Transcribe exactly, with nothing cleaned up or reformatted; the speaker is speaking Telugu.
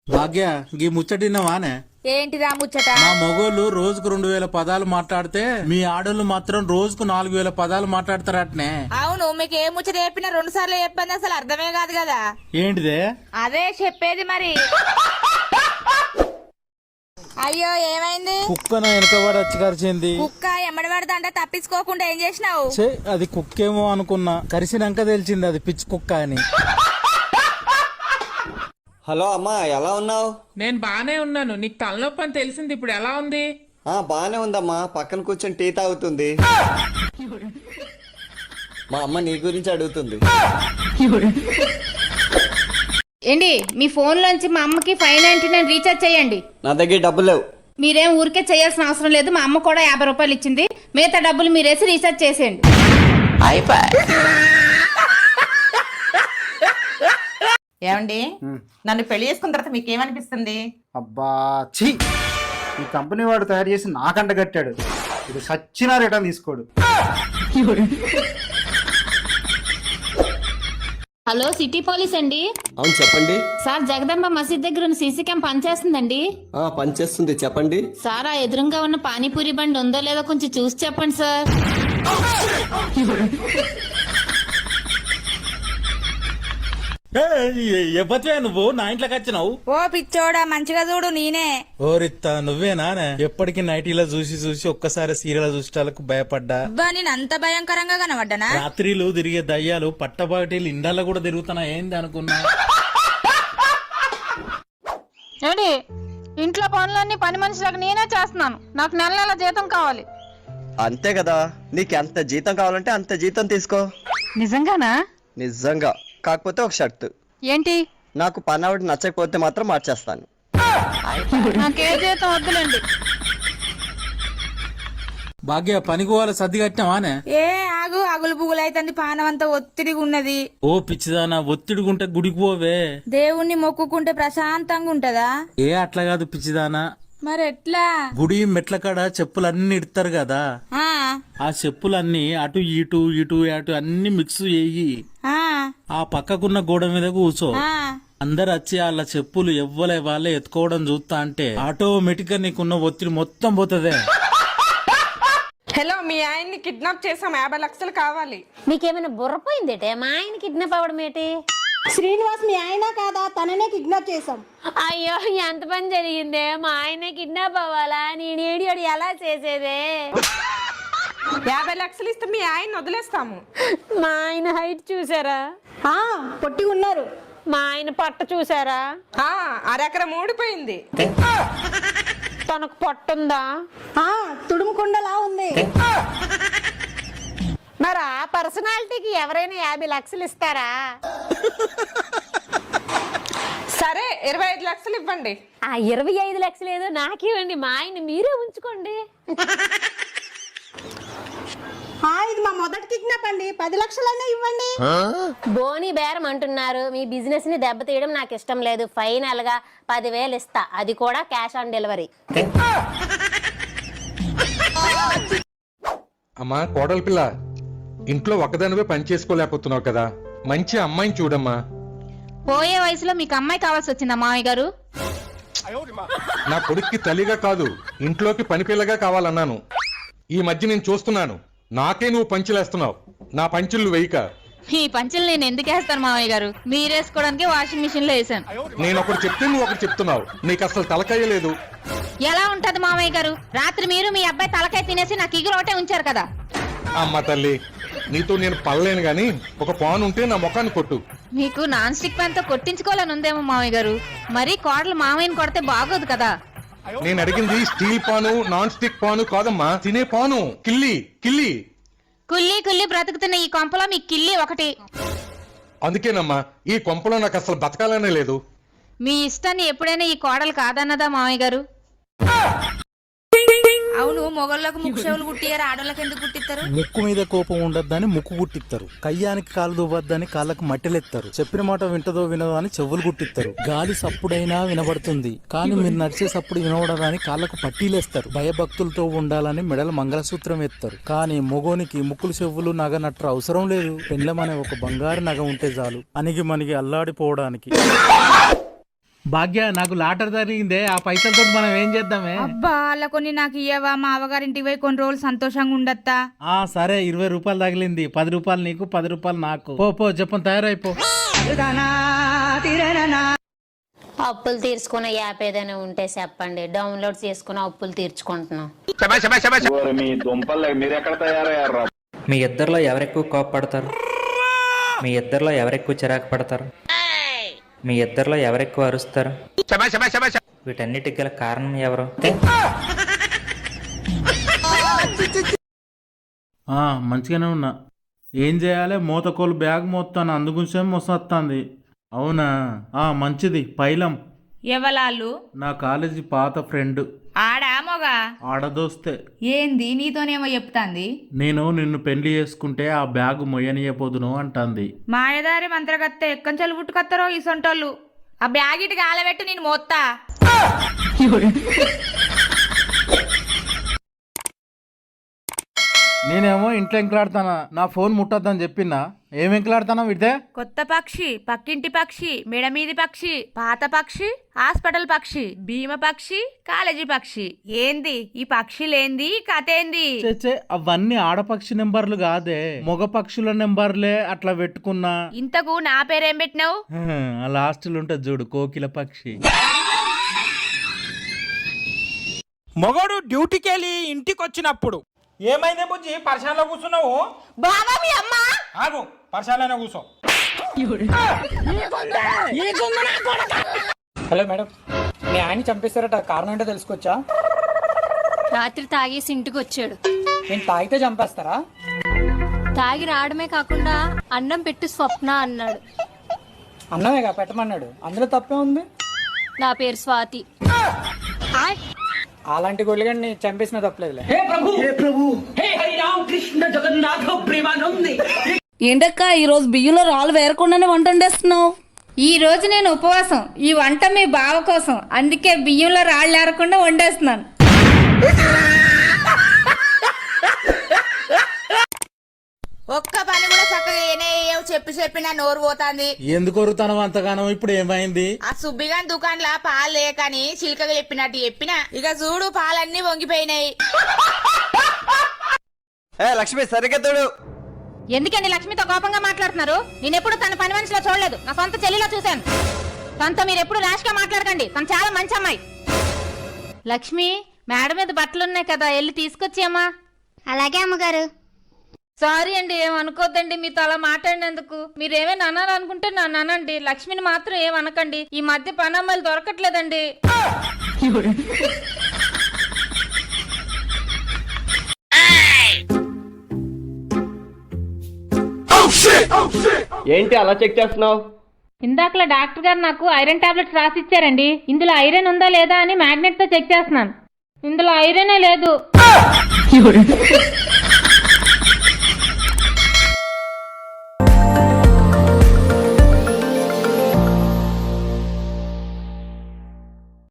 భాగ్య గీ ముచ్చటిన్నవానే? ఏంటిదా ముచ్చట? మా మొగోళ్ళు రోజుకు రెండు వేల పదాలు మాట్లాడితే మీ ఆడోళ్ళు మాత్రం రోజుకు నాలుగు వేల పదాలు మాట్లాడతారటనే. అవును, మీకు ఏ ముచ్చట చెప్పినా రెండు సార్లు చెప్పింది అసలు అర్థమే కాదు కదా. ఏంటిదే? అదే చెప్పేది మరి. అయ్యో ఏమైంది? కుక్క నా వెనకబడి వచ్చి కరిచింది. కుక్క ఎమ్మడి పడదంటే తప్పించుకోకుండా ఏం చేసినావు? ఛే, అది కుక్కేమో అనుకున్నా, కరిసినాక తెలిసింది అది పిచ్చి కుక్క అని. హలో అమ్మా, ఎలా ఉన్నావు? నేను బానే ఉన్నాను. నీకు తలనొప్పి అని తెలిసింది, ఇప్పుడు ఎలా ఉంది? ఆ బానే ఉందమ్మా, పక్కన కూర్చొని టీ తాగుతుంది. మా అమ్మ నీ గురించి అడుగుతుంది. ఏంటి మీ ఫోన్ లోంచి మా అమ్మకి ఫైవ్ నైన్టీ నైన్ రీఛార్జ్ చేయండి. నా దగ్గర డబ్బులు లేవు. మీరేం ఊరికే చేయాల్సిన అవసరం లేదు, మా అమ్మ కూడా యాభై రూపాయలు ఇచ్చింది, మిగతా డబ్బులు మీరేసి రీఛార్జ్ చేసేయండి. ఏమండి, నన్ను పెళ్లి చేసుకున్న తర్వాత మీకు ఏమనిపిస్తుంది? అబ్బా ఛీ, ఈ కంపెనీ వాడు తయారు చేసి నాకంట కట్టాడు. ఇది సచ్చినా రిటర్న్ తీసుకోడు. హలో, సిటీ పోలీస్ అండి. అవును చెప్పండి. సార్, జగదంబ మసీద్ దగ్గర ఉన్న సీసీ క్యామ్ పనిచేస్తుందండి. ఆ పనిచేస్తుంది, చెప్పండి. సార్, ఆ ఎదురుగా ఉన్న పానీపూరి బండి ఉందో లేదో కొంచెం చూసి చెప్పండి సార్. ఎప్పటివే నువ్వు నా ఇంట్లోకి వచ్చినావు? ఓ పిచ్చోడా, మంచిగా చూడు, నేనే. ఓరిత్తా, నువ్వేనా? ఎప్పటికీ నైటీలో చూసి చూసి ఒక్కసారి సీరియల్ చూసేటాలకు భయపడ్డా. అబ్బా, నేను అంత భయంకరంగా కనబడ్డానా? రాత్రిలు తిరిగే దయ్యాలు పట్టబాటిలు ఇండాల్లో కూడా తిరుగుతున్నా ఏంది అనుకున్నా. ఏంటి, ఇంట్లో పనులన్నీ పని మనిషిలకు నేనే చేస్తున్నాను, నాకు నెల నెల జీతం కావాలి. అంతే కదా, నీకు ఎంత జీతం కావాలంటే అంత జీతం తీసుకో. నిజంగానా? నిజంగా. కాకపోతే ఒక షర్తు. ఏంటి? నాకు పని ఆవిడ నచ్చకపోతే మాత్రం మార్చేస్తాను. నాకే జీతం వద్దులేండి. భాగ్య, పనికి పోవాలి, సర్ది కట్టినావానే? ఏ ఆగు, అగులు పుగులు అవుతుంది, పానం అంతా ఒత్తిడిగా ఉన్నది. ఓ పిచ్చిదానా, ఒత్తిడిగుంటే గుడికి పోవే. దేవుణ్ణి మొక్కుకుంటే ప్రశాంతంగా ఉంటదా? ఏ అట్లా కాదు పిచ్చిదానా. మరి ఎట్లా? గుడి మెట్ల కాడ చెప్పులన్నీ ఇడతారు కదా, ఆ ఆ చెప్పులన్నీ అటు ఇటు ఇటు అటు అన్ని మిక్స్ చేయి. ఆ ఆ పక్కకున్న గోడ మీద కూర్చో. ఆ అందరు వచ్చి వాళ్ళ చెప్పులు ఎవ్వలే వాళ్ళే ఎత్తుకోవడం చూస్తా అంటే ఆటోమేటిక్ గా నీకున్న ఒత్తిడి మొత్తం పోతదే. హలో, మీ ఆయన్ని కిడ్నాప్ చేసాం, యాభై లక్షలు కావాలి. మీకేమైనా బుర్రపోయిందేటే? మా ఆయన కిడ్నాప్ అవ్వడం ఏంటి? శ్రీనివాస్ మీ ఆయన కాదా? తననే కిడ్నాప్ చేసాం. అయ్యో, ఎంత పని జరిగిందే! మా ఆయన కిడ్నాప్ అవ్వాలా? నేను ఏడియోడు ఎలా చేసేదే? యాభై లక్షలు ఇస్తే మీ ఆయన వదిలేస్తాము. మా ఆయన హైట్ చూసారా? ఆ పొట్టి ఉన్నారు. మా ఆయన పట్ట చూసారా? ఆ అరెకరం ఊడిపోయింది. తనకు పట్టుందా? ఆ తుడుముకుండలా ఉంది. మరి ఆ పర్సనాలిటీకి ఎవరైనా యాభై లక్షలు ఇస్తారా? సరే, ఇరవై ఐదు లక్షలు ఇవ్వండి. ఆ ఇరవై ఐదు లక్షలు ఏదో నాకివ్వండి, మా ఆయన మీరే ఉంచుకోండి. ఆ ఇది మా మొదటి కిడ్నాప్ అండి, పది లక్షలైనా ఇవ్వండి. బోని బేరం అంటున్నారు. మీ బిజినెస్ ని దెబ్బతీయడం నాకు ఇష్టం లేదు. ఫైనల్ గా పదివేలు ఇస్తా, అది కూడా క్యాష్ ఆన్ డెలివరీ. అమ్మా కోడలి పిల్ల, ఇంట్లో ఒక్కదానివే పని చేసుకోలేకపోతున్నావు కదా, మంచి అమ్మాయిని చూడమ్మా. పోయే వయసులో మీకు అమ్మాయి కావాల్సి వచ్చిందా మామయ్య గారు? నా కొడుక్కి తల్లిగా కాదు, ఇంట్లోకి పని పిల్లగా కావాలన్నాను. ఈ మధ్య నేను చూస్తున్నాను, నాకే నువ్వు పంచులేస్తున్నావు. నా పంచులు వేయక. ఈ పంచులు నేను ఎందుకు వేస్తాను మామయ్య గారు? మీరేసుకోవడానికి వాషింగ్ మిషన్ లో వేసాను. నేను ఒకటి చెప్తే నువ్వు ఒకటి చెప్తున్నావు, నీకు అసలు తలకాయ లేదు. ఎలా ఉంటది మామయ్య గారు? రాత్రి మీరు మీ అబ్బాయి తలకాయ తినేసి నాకు ఇగురు ఒకటే ఉంచారు కదా. అమ్మ తల్లి, నీతో నేను పడలేను గాని ఒక పాన్ ఉంటే నా ముఖాన్ని కొట్టు. మీకు నాన్ స్టిక్ ప్యాన్ తో కొట్టించుకోవాలని ఉందేమో మామయ్య గారు. మరి కోడలు మామయ్యని కొడితే బాగోదు కదా. నేను అడిగింది steel pan, non stick pan కాదమ్మా, తినే పాను. కిల్లి కిల్లి కుల్లి కుల్లి బ్రతుకుతున్న ఈ కొంపలో మీ కిల్లి ఒకటి. అందుకేనమ్మా ఈ కొంపలో నాకు అసలు బతకాలనే లేదు. మీ ఇష్టాన్ని ఎప్పుడైనా ఈ కోడలు కాదన్నదా మామయ్య గారు? అవును, మొగళ్ళకు ముక్కు చెవులు కుట్టియారు, ఆడోళ్ళకి ఎందుకు కుట్టిస్తారు? ముక్కు మీద కోపం ఉండద్దని ముక్కు కుట్టిస్తారు, కయ్యానికి కాలు దువ్వద్దని కాళ్ళకు మట్టెలెత్తారు, చెప్పిన మాట వింటదో వినదో అని చెవులు కుట్టిస్తారు. గాలి సప్పుడైనా వినబడుతుంది, కానీ మీరు నడిచే సప్పుడు వినబడదని కాళ్ళకు పట్టీలేస్తారు. భయభక్తులతో ఉండాలని మెడల మంగళసూత్రం ఎత్తారు. కానీ మొగోనికి ముక్కులు చెవులు నగ నట్ర అవసరం లేదు. పెండ్లమనే ఒక బంగారు నగ ఉంటే చాలు అణిగి మణిగి అల్లాడిపోవడానికి. భాగ్య నాకు లాటరీ జరిగిందే, ఆ పైసలతో మనం ఏం చేద్దామే? అబ్బా అలా కొన్ని నాకు ఇయ్యవా, మా అవగారింటికి పోయి కొన్ని రోజులు సంతోషంగా ఉండత్తా. ఆ సరే, ఇరవై రూపాయలు తగిలింది, పది రూపాయలు నీకు, పది రూపాయలు నాకు. పో పో చెప్పని తయారైపో. అప్పులు తీర్చుకునే యాప్ ఏదైనా ఉంటే చెప్పండి, డౌన్లోడ్ చేసుకుని అప్పులు తీర్చుకుంటున్నాం. మీ ఇద్దరిలో ఎవరెక్కువ కోపపడతారు? మీ ఇద్దరిలో ఎవరెక్కువ చిరాకు పడతారు? మీ ఇద్దరిలో ఎవరెక్కువ అరుస్తారు? వీటన్నిటికి గల కారణం ఎవరు? ఆ మంచిగానే ఉన్నా. ఏం చేయాలి? మూతకోలు బ్యాగ్ మోస్తాను, అందుగుంచే మోసొస్తుంది. అవునా? ఆ మంచిది. పైలం ఎవలాళ్ళు? నా కాలేజీ పాత ఫ్రెండ్. ఆడా మొగా? ఆడదోస్తే. ఏంది నీతోనేమో చెప్తాంది? నేను నిన్ను పెళ్లి చేసుకుంటే ఆ బ్యాగ్ మొయ్యనియపోదును అంటాంది. మాయదారి మంత్రగత్తె ఎక్కంచెలు పుట్టుకొత్తరో ఈ సొంటోళ్ళు. ఆ బ్యాగ్ ఇటు గాలబెట్టు, నేను మోత్తా. నేనేమో ఇంట్లో ఎంకలాడతానా, నా ఫోన్ ముట్టొద్దని చెప్పినా. ఏం ఎంకలాడతానా విడితే? కొత్త పక్షి, పక్కింటి పక్షి, మెడమీది పక్షి, పాత పక్షి, హాస్పిటల్ పక్షి, భీమ పక్షి, కాలేజీ పక్షి. ఏంది ఈ పక్షిలేంది? కథ ఏంది? చే అవన్నీ ఆడపక్షి నెంబర్లు కాదే, మగ పక్షుల నెంబర్లే. అట్లా పెట్టుకున్నా. ఇంతకు నా పేరేం పెట్టినావు? ఆ లాస్ట్లో ఉంటది చూడు, కోకిల పక్షి. మొగడు డ్యూటీకి వెళ్ళి ఇంటికి వచ్చినప్పుడు ఏమైందే బుజ్జి, పర్షాన్లో కూర్చున్నావు? బాబా మీ అమ్మ ఆగు, పర్షాన్లోనే కూర్చో. హలో మేడం, మీ ఆయన చంపేస్తారట, కారణం ఏంటో తెలుసుకోవచ్చా? రాత్రి తాగేసి ఇంటికి వచ్చాడు. నేను తాగితే చంపేస్తారా? తాగి రావడమే కాకుండా అన్నం పెట్టి స్వప్న అన్నాడు. అన్నమేగా పెట్టమన్నాడు, అందులో తప్పే ఉంది. నా పేరు స్వాతి. అలాంటి గొల్లిగాడిని చంపేసిన తప్పలేదులే. ఏంటక్క ఈ రోజు బియ్యంలో రాళ్ళు వేరకుండానే వంట వండేస్తున్నావు? ఈ రోజు నేను ఉపవాసం. ఈ వంట మీ బావ కోసం, అందుకే బియ్యంలో రాళ్ళు ఏరకుండా వండేస్తున్నాను. ఒక్క పని కూడా చక్కగా ఏనే చెప్పి చెప్పి నా నోరు పోతాంది. ఎందుకు వరుతాను అంతగానో? ఇప్పుడు ఏమైంది? ఆ సుబ్బిగాని దుకాణంలో పాలు లేకని చిలకగా చెప్పినట్టు చెప్పిన. ఇక చూడు పాలన్నీ వంగిపోయినాయి. ఏ లక్ష్మి సరిగ్గా తోడు. ఎందుకండి లక్ష్మితో కోపంగా మాట్లాడుతున్నారు? నేను ఎప్పుడు తన పని మనిషిలో చూడలేదు, నా సొంత చెల్లిలో చూశాను. తనతో మీరు ఎప్పుడు ర్యాష్ గా మాట్లాడకండి, తను చాలా మంచి అమ్మాయి. లక్ష్మి, మేడ మీద బట్టలున్నాయి కదా, వెళ్ళి తీసుకొచ్చామా? అలాగే అమ్మగారు. సారీ అండి, ఏమనుకోద్దండి మీతో అలా మాట్లాడినందుకు. మీరేమైనా అనాలనుకుంటే నన్ను అనండి, లక్ష్మిని మాత్రం ఏమనకండి. ఈ మధ్య పని అమ్మాయిలు దొరకట్లేదండి. ఏంటి అలా చెక్ చేస్తున్నావు? ఇందాకలా డాక్టర్ గారు నాకు ఐరన్ టాబ్లెట్స్ రాసి ఇచ్చారండి. ఇందులో ఐరన్ ఉందా లేదా అని మ్యాగ్నెట్ తో చెక్ చేస్తున్నాను. ఇందులో ఐరనే లేదు.